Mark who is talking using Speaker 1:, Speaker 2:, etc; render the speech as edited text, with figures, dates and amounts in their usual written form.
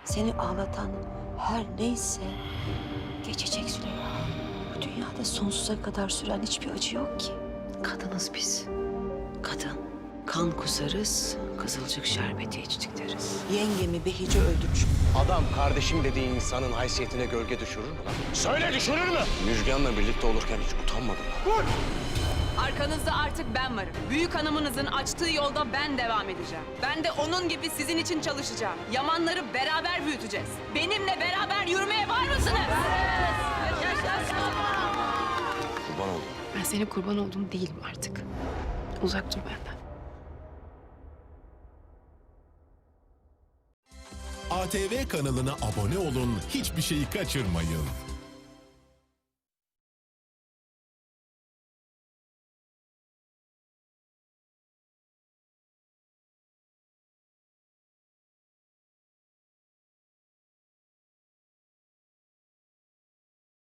Speaker 1: Seni ağlatan her neyse geçecek Züleyha. Bu dünyada sonsuza kadar süren hiçbir acı yok ki. Kadınız biz. Kadın. Kan kusarız, kızılcık şerbeti içtik deriz. Yengemi Behice öldürmüş.
Speaker 2: Adam kardeşim dediği insanın haysiyetine gölge düşürür mü lan? Söyle düşürür mü? Müjgan'la birlikte olurken hiç utanmadın lan. Vur!
Speaker 3: Arkanızda artık ben varım. Büyük hanımınızın açtığı yolda ben devam edeceğim. Ben de onun gibi sizin için çalışacağım. Yamanları beraber büyüteceğiz. Benimle beraber yürümeye var mısınız?
Speaker 2: Kurban oldum.
Speaker 4: Ben senin kurban olduğun değilim artık. Uzak dur benden.
Speaker 5: ATV kanalına abone olun, hiçbir şeyi kaçırmayın.